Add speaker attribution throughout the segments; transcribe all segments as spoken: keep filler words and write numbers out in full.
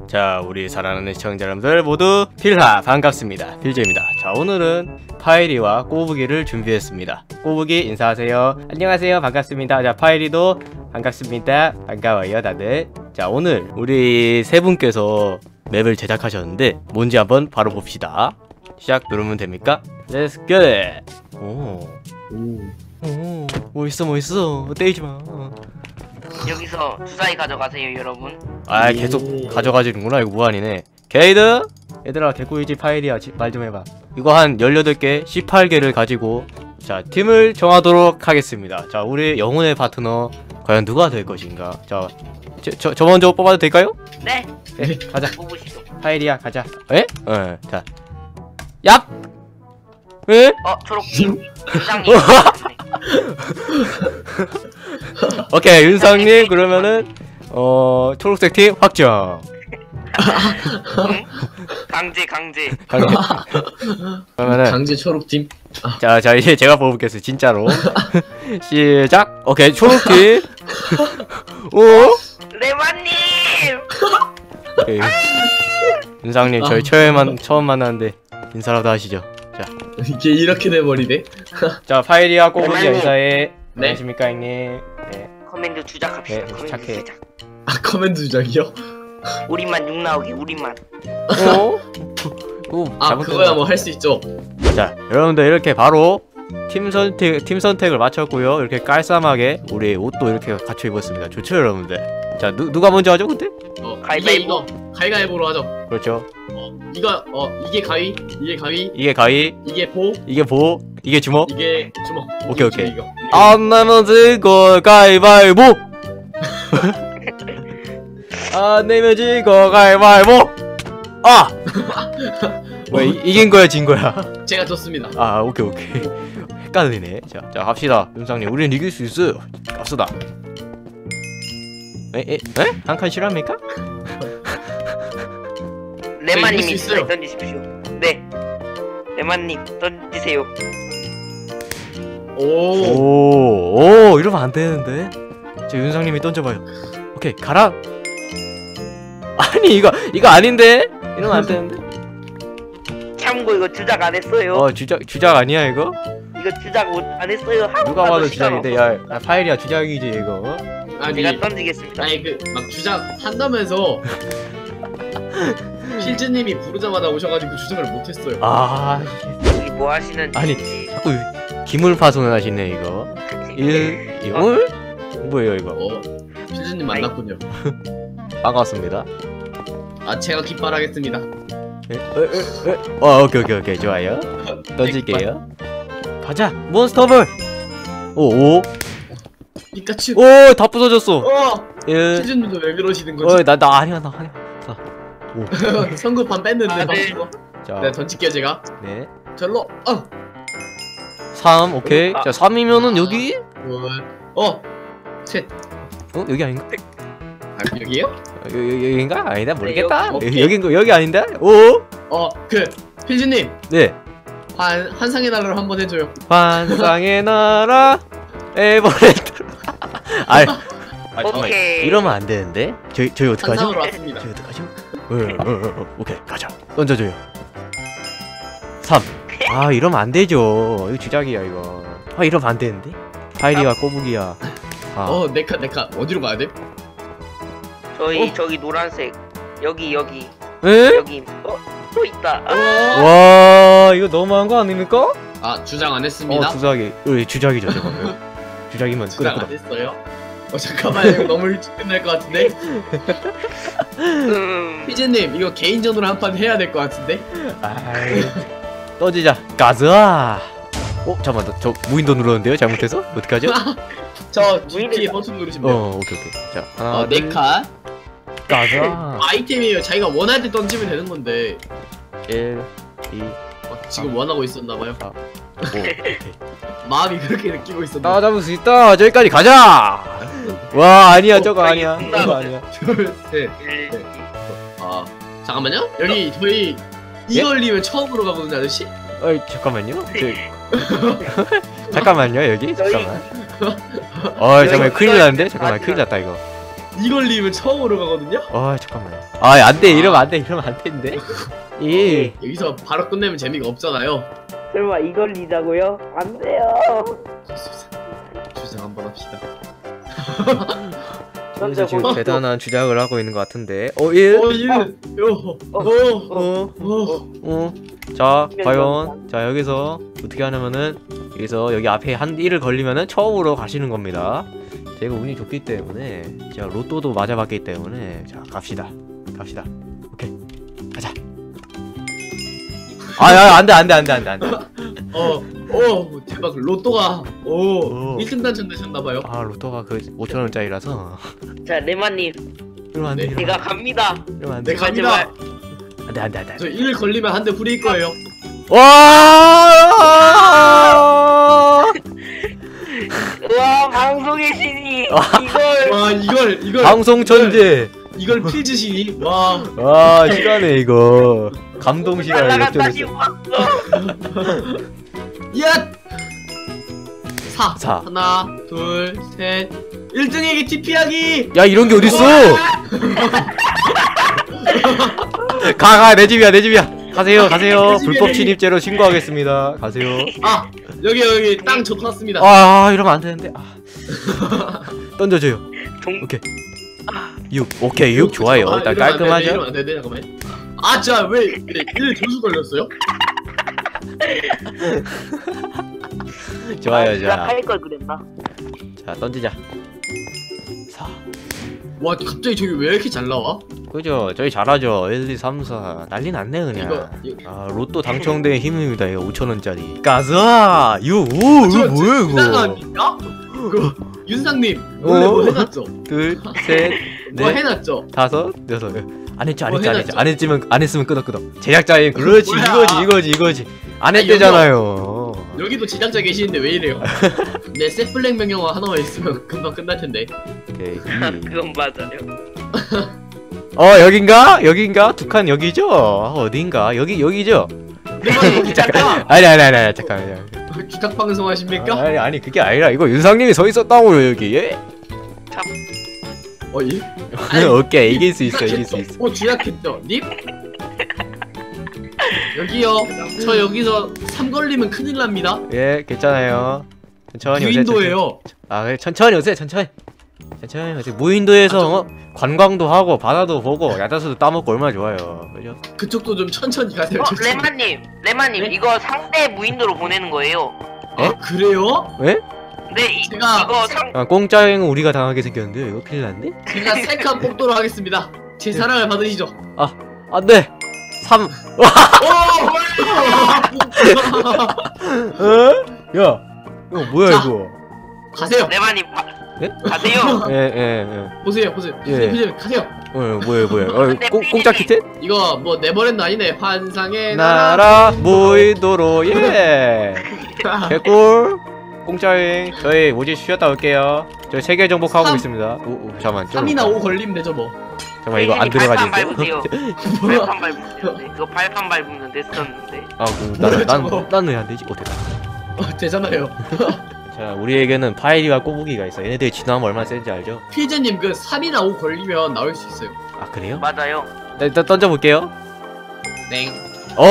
Speaker 1: 자, 우리 사랑하는 시청자 여러분들 모두 필하 반갑습니다. 필재입니다. 자, 오늘은 파이리와 꼬부기를 준비했습니다. 꼬부기 인사하세요. 안녕하세요. 반갑습니다. 자, 파이리도 반갑습니다. 반가워요 다들. 자, 오늘 우리 세 분께서 맵을 제작하셨는데 뭔지 한번 바로 봅시다. 시작 누르면 됩니까? Let's get it. 오, 오, 멋있어 멋있어. 때리지마.
Speaker 2: 여기서 주사위 가져가세요 여러분.
Speaker 1: 아, 계속 가져가지는구나. 이거 무한이네. 게이드? 얘들아, 개꿀이지 파일이야. 말 좀 해봐. 이거 한 열여덟 개, 십팔 개를 가지고 자, 팀을 정하도록 하겠습니다. 자, 우리 영혼의 파트너 과연 누가 될 것인가? 자, 저, 저, 저 먼저 뽑아도 될까요?
Speaker 2: 네.
Speaker 1: 네, 가자.
Speaker 2: 뽑으시죠.
Speaker 1: 파일이야, 가자. 에? 어, 자. 얍! 에?
Speaker 2: 어, 초록팀 부장님.
Speaker 1: 오케이, 윤상님 그러면은 어 초록색 팀 확정.
Speaker 2: 응? 강제 강제.
Speaker 1: 강제. 그러면은
Speaker 3: 강제 초록팀.
Speaker 1: 자, 자 이제 제가 뽑을게요, 진짜로. 시작. 오케이, 초록팀. 오.
Speaker 2: 레마님.
Speaker 1: 오케이. 윤상님 저희 처음만 처음 만났는데 인사라도 하시죠. 자,
Speaker 3: 이게 이렇게 돼버리네.
Speaker 1: 자 파일이야 꼬부기
Speaker 2: 레마님.
Speaker 1: 인사해.
Speaker 3: 네.
Speaker 1: 안녕하십니까 형님. 네.
Speaker 2: 커맨드 주작합시다.
Speaker 1: 네,
Speaker 2: 커맨드
Speaker 1: 착해.
Speaker 2: 주작.
Speaker 3: 아 커맨드 주작이요?
Speaker 2: 우리만 육 나오게 우리만.
Speaker 1: 오. 오.
Speaker 3: 아 그거야 뭐 할 수 있죠.
Speaker 1: 자, 여러분들 이렇게 바로 팀 선택 팀 선택을 마쳤고요. 이렇게 깔쌈하게 우리 옷도 이렇게 갖춰 입었습니다. 좋죠, 여러분들. 자, 누 누가 먼저 하죠, 근데?
Speaker 3: 어
Speaker 2: 가위바위보.
Speaker 3: 이거 이거 가위바위보로 하죠.
Speaker 1: 그렇죠.
Speaker 3: 어 이거 어 이게 가위, 이게 가위,
Speaker 1: 이게 가위,
Speaker 3: 이게 보,
Speaker 1: 이게 보, 이게 주먹.
Speaker 3: 이게 주먹.
Speaker 1: 오케이,
Speaker 3: 이게
Speaker 1: 오케이.
Speaker 3: 이거.
Speaker 1: 안 내면 지고 가위바위보. 안 내면 지고 가위바위보. 아. 뭐 이, 이긴 거야, 진 거야?
Speaker 3: 제가 졌습니다.
Speaker 1: 아, 오케이 오케이. 헷갈리네. 자, 자 갑시다, 윤상님. 우리는 이길 수 있어요. 갑시다. 에, 에, 에? 한 칸 실합니까?
Speaker 2: 레마님이
Speaker 3: 이길 수 있어요.
Speaker 2: 주사위 던지십시오. 네. 레마님 던지세요.
Speaker 3: 오.
Speaker 1: 오, 오, 이러면 안 되는데. 저 윤상님이 던져봐요. 오케이, 가라. 아니 이거 이거 아닌데? 이러면 안 되는데.
Speaker 2: 참고 이거 주작 안 했어요.
Speaker 1: 어, 주작 주작 아니야 이거?
Speaker 2: 이거 주작 못- 안 했어요. 한
Speaker 1: 누가
Speaker 2: 번만
Speaker 1: 봐도
Speaker 2: 더 시간
Speaker 1: 주작인데.
Speaker 2: 없어서.
Speaker 1: 야, 야, 파일이야 주작이지 이거.
Speaker 3: 아니
Speaker 2: 제가 던지겠습니다.
Speaker 3: 아니 그 막 주작 한다면서 필즈님이 부르자마자 오셔가지고 주작을 못했어요.
Speaker 1: 아,
Speaker 2: 여기 뭐 하시는?
Speaker 1: 아니, 자꾸 기물 파손을 하시네 이거. 일, 이올? 뭐예요 이거?
Speaker 3: 어 필즈님 만났군요.
Speaker 1: 반갑습니다.
Speaker 3: 아 제가 깃발하겠습니다.
Speaker 1: 에, 에, 에, 에. 어, 오케이 오케이 오케이, 좋아요. 던질게요. 가자, 몬스터볼. 오, 오,
Speaker 3: 피카츄.
Speaker 1: 오, 다 부서졌어.
Speaker 3: 어
Speaker 1: 일,
Speaker 3: 필즈님도 왜 그러시는
Speaker 1: 어,
Speaker 3: 거지?
Speaker 1: 나 나 아니야 나 아니야. 자, 오,
Speaker 3: 성급한 뺐는데
Speaker 2: 아, 네.
Speaker 3: 방금.
Speaker 1: 자,
Speaker 3: 네 던질게요 제가.
Speaker 1: 네,
Speaker 3: 절로. 어.
Speaker 1: 삼, 오케이.
Speaker 2: 아.
Speaker 1: 자, 삼이면은 여기?
Speaker 3: 둘. 어. 셋.
Speaker 1: 어, 여기 아닌가?
Speaker 3: 아 여기요?
Speaker 1: 어, 여, 여, 여긴가? 아니다, 모르겠다.
Speaker 3: 여기,
Speaker 1: 여기,
Speaker 3: 오케이.
Speaker 1: 여긴 거 여기 아닌데? 오,
Speaker 3: 어그 필즈님
Speaker 1: 네.
Speaker 3: 한 한상의 나라로 한번 해줘요.
Speaker 1: 환상의 나라 에버랜드. 아, 아, 잠깐만.
Speaker 2: 오케이.
Speaker 1: 이러면 안 되는데. 저희 저희 어떡하죠?
Speaker 3: 한상으로 왔습니다.
Speaker 1: 저희 어떡하죠? 어, 어, 어, 어, 오케이, 가자. 던져줘요. 삼. 아, 이러면 안 되죠. 이거 주작이야 이거. 아, 이러면 안 되는데. 파이리와 꼬부기야. 아,
Speaker 3: 어 네카 네카 어디로 가야 돼?
Speaker 2: 저희
Speaker 3: 어?
Speaker 2: 저기 노란색 여기 여기
Speaker 1: 에?
Speaker 2: 여기 어또 있다. 아,
Speaker 1: 와, 이거 너무한 거 아닙니까?
Speaker 3: 아 주장 안 했습니다.
Speaker 1: 어, 주작이. 어, 주작이죠, 저거. 주작이면
Speaker 3: 주장
Speaker 1: 끄덕
Speaker 3: 안 했어요. 어 잠깐만 이거 너무 일찍 끝날 것 같은데.
Speaker 2: 음,
Speaker 3: 피즈님 이거 개인전으로 한 판 해야 될 것 같은데.
Speaker 1: 아이, 떠지자. 가자. 어, 잠깐만, 나, 저 무인도 눌렀는데요? 잘못해서? 어떡하죠?
Speaker 3: 저 지티 버튼 누르시면 돼요.
Speaker 1: 어, 오케이 오케이. 자, 하나,
Speaker 3: 어
Speaker 1: 둘,
Speaker 3: 네카
Speaker 1: 가자.
Speaker 3: 아이템이에요. 자기가 원할 때 던지면 되는 건데
Speaker 1: 일, 이,
Speaker 3: 어, 지금 원하고 있었나봐요.
Speaker 1: 오, 오케이.
Speaker 3: 마음이 그렇게 느끼고 있었나.
Speaker 1: 나 잡을 수 있다. 저기까지 가자. 와, 아니야,
Speaker 3: 어,
Speaker 1: 저거 아니야.
Speaker 2: 알겠습니다.
Speaker 1: 저거 아니야.
Speaker 3: 둘, 셋.
Speaker 2: 일,
Speaker 3: 네. 아 잠깐만요. 여기 저희 이걸리면 처음으로 가거든요, 아저씨.
Speaker 1: 어이, 잠깐만요. 저... 잠깐만요, 여기.
Speaker 2: 저희-
Speaker 1: 잠깐만. 어이, 잠깐만, 큰일 났는데? 잠깐만, 큰일 났다 이거.
Speaker 3: 이 걸리면 처음으로 가거든요.
Speaker 1: 아 잠깐만요. 아 안돼 이러면 안돼 이러면 안 되는데. 이
Speaker 3: 여기서 바로 끝내면 재미가 없잖아요.
Speaker 2: 설마 이걸 리자고요? 안 돼요.
Speaker 3: 주장 한번 합시다.
Speaker 1: 그래서 지금 대단한 주작을 하고 있는 것 같은데. 어 일.
Speaker 3: 어, 일. 요. 어.
Speaker 1: 어.
Speaker 3: 어.
Speaker 1: 어. 자 과연 자 여기서 어떻게 하냐면은 여기서 여기 앞에 한 일을 걸리면은 처음으로 가시는 겁니다. 제가 운이 좋기 때문에 제가 로또도 맞아봤기 때문에 자 갑시다 갑시다. 오케이 가자. 아야 안돼 안돼 안돼 안돼 안돼.
Speaker 3: 어. 어. 대박. 로또가 오.
Speaker 1: 오.
Speaker 3: 일 등 당첨되셨나봐요.
Speaker 1: 아 로또가 그 오천 원짜리라서
Speaker 2: 자 레마님
Speaker 1: 이러면 안돼.
Speaker 3: 네,
Speaker 2: 제가 갑니다.
Speaker 1: 이러면 안돼.
Speaker 3: 네, 갑니다.
Speaker 1: 안돼 안돼 안돼.
Speaker 3: 저 일 걸리면 한 대 부릴 거예요.
Speaker 1: 와!
Speaker 2: 우와 방송의 신이 이걸
Speaker 3: 와, 이걸 이걸
Speaker 1: 방송 천재.
Speaker 3: 이걸 필즈시니? 와.
Speaker 1: 와 시간에 이거 감동 시간을
Speaker 2: 날라갔다
Speaker 1: 역전했어.
Speaker 2: 싶었어.
Speaker 3: 야! 사.
Speaker 1: 사.
Speaker 3: 하나, 둘, 셋. 일 등에게 티피하기.
Speaker 1: 야 이런 게 어딨어? 가가 내 집이야 내 집이야. 가세요 가세요. 불법 침입죄로 신고하겠습니다. 가세요.
Speaker 3: 아, 여기 여기 땅 적었습니다.
Speaker 1: 아 이러면 안 되는데. 아. 던져줘요.
Speaker 2: 동...
Speaker 1: 오케이. 육 오케이 육 좋아요.
Speaker 3: 아,
Speaker 1: 일단
Speaker 3: 이러면 안 되네,
Speaker 1: 깔끔하죠.
Speaker 3: 이러면 안 되네. 잠깐만. 아, 자, 왜 일 점수 걸렸어요?
Speaker 1: 좋아요 자.
Speaker 2: 할걸 그랬나?
Speaker 1: 자 던지자. 사.
Speaker 3: 와, 갑자기 저기 왜 이렇게 잘 나와?
Speaker 1: 그죠 저희 잘하죠. 일, 이, 삼, 사 난리 났네 그냥.
Speaker 3: 이거, 이거.
Speaker 1: 아 로또 당첨된 힘입니다. 이거 오천 원짜리. 가자. 유. 오 이거 뭐야
Speaker 3: 윤상아
Speaker 1: 이거.
Speaker 3: 아닙니까? 그 윤상님 원래
Speaker 1: 어?
Speaker 3: 뭐 해놨죠?
Speaker 1: 둘, 셋,
Speaker 3: 뭐
Speaker 1: 넷,
Speaker 3: 해놨죠?
Speaker 1: 다섯, 여섯. 안 했죠, 안
Speaker 3: 뭐
Speaker 1: 했죠, 안 했죠.
Speaker 3: 해놨죠?
Speaker 1: 안 했지만 안 했으면 끄덕끄덕. 제작자인 그렇지
Speaker 3: 뭐야?
Speaker 1: 이거지 이거지 이거지. 안
Speaker 3: 아니,
Speaker 1: 했대잖아요.
Speaker 3: 여기도 제작자 계시는데 왜 이래요? 네, 셋블랙 명령어 하나만 있으면 금방 끝날 텐데.
Speaker 1: 오케이. 이.
Speaker 2: 그건 맞아요.
Speaker 1: 어 여긴가? 여긴가? 두 칸 여기죠? 어, 어딘가? 여기 여기죠?
Speaker 3: 네, 잠깐.
Speaker 1: 아니 아니 아니 아니 잠깐만요.
Speaker 3: 주작 방송 하십니까?
Speaker 1: 아니 아니 그게 아니라 이거 윤상님이 서 있었다고요 여기. 예?
Speaker 3: 어, 예?
Speaker 1: 오케이 이길 수 있어 이길 수 있어.
Speaker 3: 어, 주작했죠. 님? 여기요. 저 여기서 삼 걸리면 큰일 납니다.
Speaker 1: 예 괜찮아요. 천천히 오세요. 천천히.
Speaker 3: 유인도예요.
Speaker 1: 아 그래 천천히 오세요 천천히. 천천히 오세요. 무인도에서 어? 관광도 하고 바다도 보고 야자수도 따먹고 얼마나 좋아요. 그죠?
Speaker 3: 그쪽도 좀 천천히 가세요.
Speaker 2: 어
Speaker 3: 천천히.
Speaker 2: 레마님 레마님
Speaker 3: 네?
Speaker 2: 이거 상대 무인도로 보내는 거예요.
Speaker 3: 아, 그래요?
Speaker 1: 왜?
Speaker 2: 네 이,
Speaker 3: 제가-
Speaker 2: 이거 상
Speaker 1: 아, 공짜여행은 우리가 당하게 생겼는데요. 이거 큰일 났네?
Speaker 3: 제가 셀카 뽑도록 하겠습니다. 제 사랑을 받으시죠.
Speaker 1: 안돼! 삼!
Speaker 3: 오!
Speaker 1: 어? 야! 이거 뭐야
Speaker 3: 자.
Speaker 1: 이거?
Speaker 3: 가세요.
Speaker 2: 레마님 가,
Speaker 1: 예?
Speaker 2: 가세요.
Speaker 1: 예, 예, 예.
Speaker 3: 보세요, 보세요.
Speaker 1: 예.
Speaker 3: 보세요, 가세요.
Speaker 1: 어, 뭐야, 뭐야. 어, 공, 공짜 키트?
Speaker 3: 이거 뭐 네버랜드 아니네. 환상의 나라.
Speaker 1: 나라 무인도로, 예! 개꿀! 공짜여행. 저희 모집 쉬었다 올게요. 저희 세계 정복하고
Speaker 3: 삼.
Speaker 1: 있습니다. 오, 오, 잠깐만. 좀-
Speaker 3: 삼이나 오 걸리면 되죠 뭐.
Speaker 1: 잠깐만, 이거 안
Speaker 2: 발판
Speaker 1: 들어가지.
Speaker 2: 밟으세요.
Speaker 3: 뭐야?
Speaker 2: 발판 밟으세요. 네, 그거 발판 밟으면 됐었는데.
Speaker 1: 아, 그, 난, 난,
Speaker 3: 저거.
Speaker 1: 난 왜 안 되지? 어, 됐다.
Speaker 3: 어, 되잖아요.
Speaker 1: 자, 우리에게는 파이리와 꼬부기가 있어. 얘네들이 진화하면 얼마나 센지 알죠?
Speaker 3: 피즈님 그 삼이나 오 걸리면 나올 수 있어요.
Speaker 1: 아, 그래요?
Speaker 2: 맞아요.
Speaker 1: 네, 일단 던져볼게요.
Speaker 3: 땡.
Speaker 1: 어.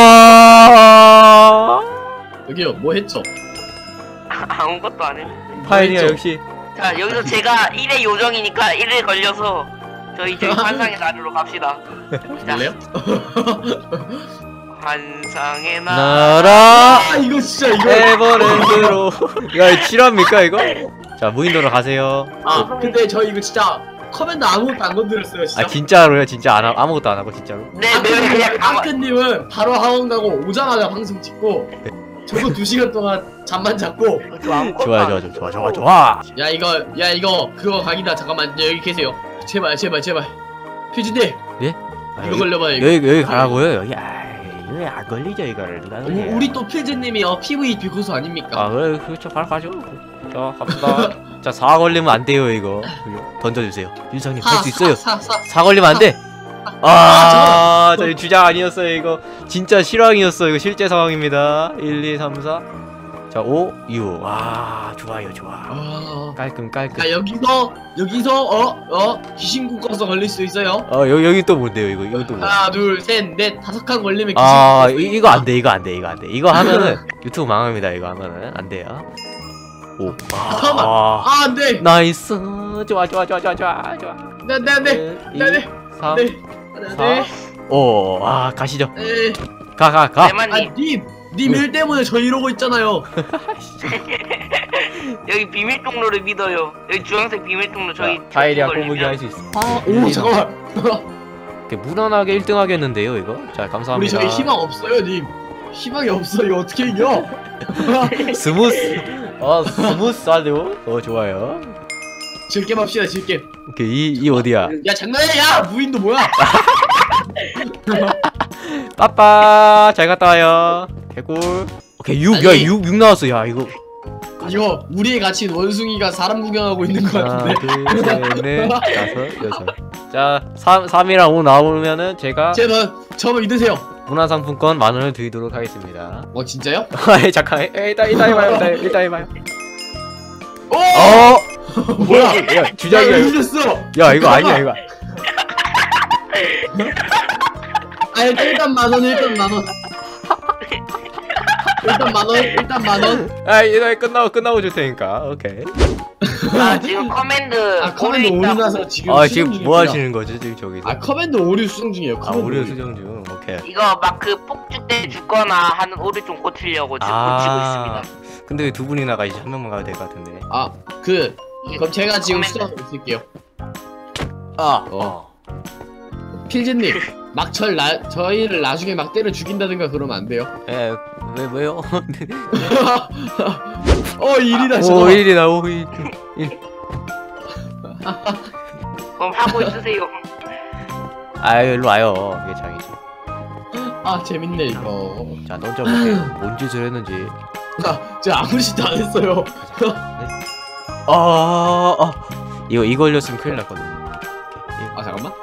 Speaker 3: 여기요. 뭐 했죠?
Speaker 2: 아, 아무것도 안 했는데.
Speaker 1: 파이리야
Speaker 3: 뭐 했죠?
Speaker 1: 역시.
Speaker 2: 자 여기서 제가 일의 요정이니까 일에 걸려서 저희 저희 환상의 나라로 갑시다. 자
Speaker 3: 볼래요?
Speaker 2: 환상의 나라.
Speaker 1: 나라
Speaker 3: 아, 이거 진짜 이거.
Speaker 1: 에버랜드로. 야, 실화입니까 이거? 자, 무인도로 가세요.
Speaker 3: 아, 근데 저 이거 진짜 커맨드 아무것도 안 건드렸어요, 진짜.
Speaker 1: 아, 진짜로요? 진짜 안 하, 아무것도 안 하고 진짜로?
Speaker 2: 네, 네, 그냥 가만.
Speaker 3: 아크님은 바로 학원 가고 오자마자 방송 찍고 저도 두 시간 동안 잠만 잤고.
Speaker 2: 저 아무것도
Speaker 1: 좋아,
Speaker 2: 안
Speaker 1: 좋아,
Speaker 2: 했어요.
Speaker 1: 좋아, 좋아, 좋아.
Speaker 3: 야 이거 야 이거 그거 각이다. 잠깐만 여기 계세요. 제발 제발 제발. 퓨즈님
Speaker 1: 예? 아,
Speaker 3: 이거
Speaker 1: 여기,
Speaker 3: 걸려봐요. 이거.
Speaker 1: 여기 여기 가라고요? 여기 아, 이거 안 걸리죠 이거를 누가
Speaker 3: 우-
Speaker 1: 걸려?
Speaker 3: 우리 또 필즈님이 어 피브이피 고수 아닙니까?
Speaker 1: 아, 그래, 그렇죠. 바로 가죠. 자, 갑시다. 자, 사 걸리면 안 돼요 이거. 던져주세요. 윤상님 할 수 있어요.
Speaker 3: 사, 사, 사.
Speaker 1: 사 걸리면 안 돼. 아, 저희 주작 아니었어요 이거. 진짜 실황이었어 이거 실제 상황입니다. 일, 이, 삼, 사. 자, 오, 유. 와, 좋아요, 좋아.
Speaker 3: 아,
Speaker 1: 깔끔, 깔끔.
Speaker 3: 자 여기서 여기서 어어 귀신 국가서 걸릴 수 있어요.
Speaker 1: 어, 여기, 여기 또 뭔데요, 이거? 이거 또 뭐?
Speaker 3: 하나 둘셋넷 다섯 칸 걸리면 귀신.
Speaker 1: 아,
Speaker 3: 국가.
Speaker 1: 이, 이거 안 돼, 이거 안 돼, 이거 안 돼. 이거 하면은 유튜브 망합니다, 이거 하면은. 안 돼요. 오,
Speaker 3: 잠깐만.
Speaker 1: 와.
Speaker 3: 아 안돼.
Speaker 1: 나이스. 좋아, 좋아, 좋아, 좋아, 좋아, 좋아.
Speaker 3: 네네네 네네
Speaker 1: 삼,
Speaker 3: 네. 네.
Speaker 1: 오, 아, 가시죠.
Speaker 3: 네.
Speaker 1: 가, 가, 가.
Speaker 2: 대만님
Speaker 3: 아님 님 일 때문에 저 이러고 있잖아요.
Speaker 2: 여기 비밀 통로를 믿어요. 여기 주황색 비밀 통로 저희
Speaker 1: 자, 파일이야
Speaker 2: 걸리면-
Speaker 1: 꼬부기 할 수 있어.
Speaker 3: 아오 잠깐만.
Speaker 1: 이렇게 무난하게 일 등 하겠는데요, 이거? 자, 감사합니다.
Speaker 3: 우리 저희 희망 없어요 님. 희망이 없어. 이거 어떻게 이겨?
Speaker 1: 스무스. 어, 스무스하죠? 어, 좋아요.
Speaker 3: 질겜 합시다 질겜.
Speaker 1: 오케이, 이, 이 어디야?
Speaker 3: 야 장난이야. 야 무인도 뭐야?
Speaker 1: 빠빠, 잘 갔다 와요. 개꿀. 오케이, 육, 야,
Speaker 3: 아니.
Speaker 1: 육, 육 나왔어. 야, 이거.
Speaker 3: 이거 우리의 가치는 원숭이가 사람 구경하고 있는 것
Speaker 1: 하나,
Speaker 3: 같은데.
Speaker 1: 둘, 셋, 넷, 다섯, 여섯. 자, 삼, 삼이랑 오 나오면은 제가
Speaker 3: 제가 저만 믿으세요.
Speaker 1: 문화상품권 만 원을 드리도록 하겠습니다.
Speaker 3: 어 진짜요?
Speaker 1: 아, 잠깐, 에, 일단, 일단 해봐요, 일단, 일단 해봐요.
Speaker 3: 오!
Speaker 1: 어!
Speaker 3: 뭐야?
Speaker 1: 야, 주작이야.
Speaker 3: 야,
Speaker 1: 이거.
Speaker 3: 이겼어.
Speaker 1: 야, 이거 아니야, 이거.
Speaker 3: 아 일단 만 원, 일단 만 원. 일단 만 원, 일단 만 원.
Speaker 1: 아, 이거 끝나고, 끝나고 줄 테니까. 오케이.
Speaker 2: 아 지금 커맨드
Speaker 3: 아 커맨드
Speaker 2: 오류
Speaker 3: 오류
Speaker 2: 있다고.
Speaker 3: 나서 지금
Speaker 1: 아,
Speaker 3: 수정
Speaker 1: 지금
Speaker 3: 중입니다.
Speaker 1: 뭐 하시는 거지, 지금 저기서?
Speaker 3: 아 커맨드 오류 수정 중이에요.
Speaker 1: 아,
Speaker 3: 커맨드
Speaker 1: 오류 수정 중. 오케이.
Speaker 2: 이거 막 그 폭주 때 죽거나 하는 오류 좀 고치려고 지금 고치고 있습니다.
Speaker 1: 근데 왜 두 분이나 가야지 한 명만 가도 될 것 같은데.
Speaker 3: 아그
Speaker 2: 이게
Speaker 3: 그럼 제가 지금
Speaker 2: 커맨드.
Speaker 3: 수정 쓸게요.
Speaker 1: 아,
Speaker 3: 어. 필진님 막절 나 저희를 나중에 막 때려 죽인다든가 그러면 안 돼요.
Speaker 1: 에, 왜, 왜요?
Speaker 3: 어 일이다
Speaker 1: 오,
Speaker 3: 저거.
Speaker 1: 일이다, 오, 일. 일.
Speaker 2: 그럼 하고 있으세요.
Speaker 1: 아, 일로 와요. 이게 장이지.
Speaker 3: 아 재밌네 이거.
Speaker 1: 자, 던져볼게. 뭔 짓을 했는지.
Speaker 3: 아, 제가 아무 짓도 안 했어요.
Speaker 1: 아, 아. 이거, 이 걸렸으면 큰일 났거든.
Speaker 3: 아 잠깐만.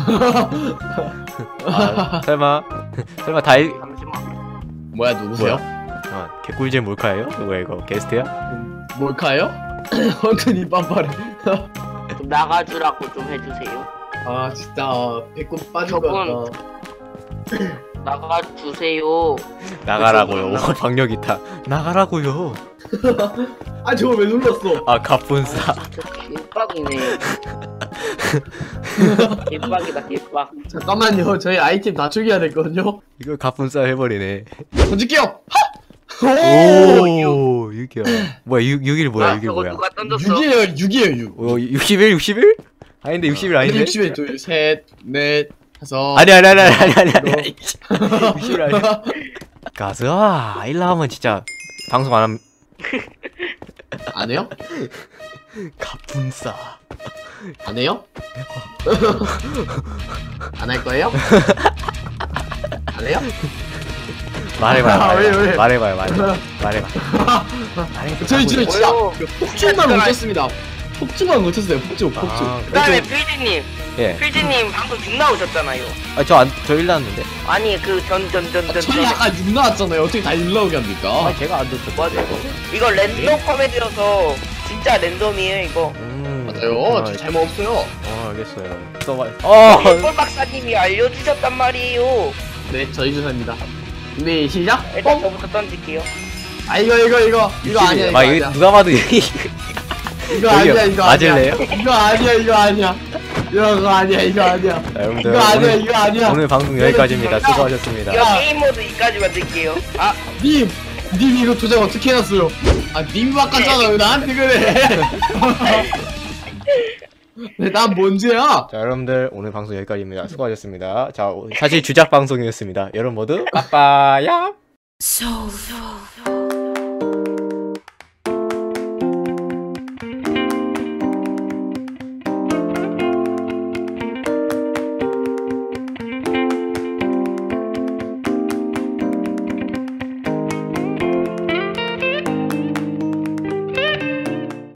Speaker 1: 아, 설마, 설마 다 일,
Speaker 2: 잠시만.
Speaker 3: 뭐야 누구세요?
Speaker 1: 아, 개꿀잼 몰카예요? 뭐야, 이거, 게스트야?
Speaker 3: 뭘까요? 헝크니 빰빠레.
Speaker 2: 좀 나가주라고 좀 해주세요.
Speaker 3: 아 진짜 배꼽 빠진 거
Speaker 2: 저분.
Speaker 3: 같다.
Speaker 2: 나가주세요.
Speaker 1: 나가라고요. 박력 있다. 나가라고요.
Speaker 3: 아 저거 왜 눌렀어?
Speaker 1: 아, 갑분싸.
Speaker 2: 진짜 개빡이네. 개빡이다 개빡.
Speaker 3: 잠깐만요. 저희 아이템 다 초기화 됐거든요.
Speaker 1: 이거 갑분싸 해버리네.
Speaker 3: 던질게요. 오!
Speaker 1: 오, 육이야. 뭐야, 육, 육일 뭐야, 육일
Speaker 2: 저거
Speaker 1: 뭐야.
Speaker 2: 누가 던졌어?
Speaker 3: 육이에요. 육이에요. 육.
Speaker 1: 어, 육십일, 육십일? 아닌데, 육십일 아닌데?
Speaker 3: 육십에 둘, 셋, 넷, 다섯.
Speaker 1: 아니, 아니, 아니, 아니, 아니, 아니. 육십일 아니야. 가즈아, 일라 하면 진짜 방송 안 함.
Speaker 3: 안 해요?
Speaker 1: 갑분싸.
Speaker 3: 안 해요? 안 할 거예요? 안 해요?
Speaker 1: 말해봐요,
Speaker 3: 아, 왜,
Speaker 1: 말해봐요.
Speaker 3: 왜?
Speaker 1: 말해봐요, 말해봐요. 말해봐. 말해봐.
Speaker 3: 저희 저희 진짜
Speaker 2: 뭐요?
Speaker 3: 폭주만 고쳤습니다. 폭주만 고쳤어요. 폭주, 폭주.
Speaker 1: 아,
Speaker 2: 그다음에 필지님,
Speaker 1: 예.
Speaker 2: 필지님 방금 죽 나오셨잖아요.
Speaker 1: 아, 저 안, 저 일 나왔는데?
Speaker 2: 아니 그 전 전 전 전
Speaker 3: 저희 아까 육 나왔잖아요. 어떻게 다 육 나오게 합니까?
Speaker 1: 아, 제가 안 듣죠.
Speaker 2: 맞아. 이거 랜덤 코미디여서 진짜 랜덤이에요 이거.
Speaker 1: 음,
Speaker 3: 맞아요.
Speaker 1: 그렇구나.
Speaker 3: 저 잘못 없어요.
Speaker 1: 어, 알겠어요. 써봐. 어!
Speaker 2: 꿀 박사님이 알려주셨단 말이에요.
Speaker 3: 네, 저희 조사입니다. 준비 시작.
Speaker 2: 일단 저부터 던질게요.
Speaker 3: 아 이거 이거 이거 이거 아니야 이거
Speaker 1: 아,
Speaker 3: 아니야.
Speaker 1: 이거 누가 봐도 이거
Speaker 3: 이거 아니야 이거
Speaker 1: 맞을래요?
Speaker 3: 아니야. 이거 아니야 이거 아니야. 이거 아니야 이거 아니야.
Speaker 1: 자, 여러분들
Speaker 3: 이거 아니야
Speaker 1: 오늘,
Speaker 3: 이거 아니야.
Speaker 1: 오늘 방송 여기까지입니다. 수고하셨습니다.
Speaker 2: 이거 게임 모드 이까지 만들게요. 아,
Speaker 3: 님, 님 이거 도장 어떻게 해놨어요? 아, 님 바꿨잖아. 왜 나한테 그래? 네, 난 뭔지야?
Speaker 1: 자, 여러분들 오늘 방송 여기까지입니다. 수고하셨습니다. 자, 오- 사실 주작 방송이었습니다. 여러분 모두 빠빠야.
Speaker 4: So, so, so.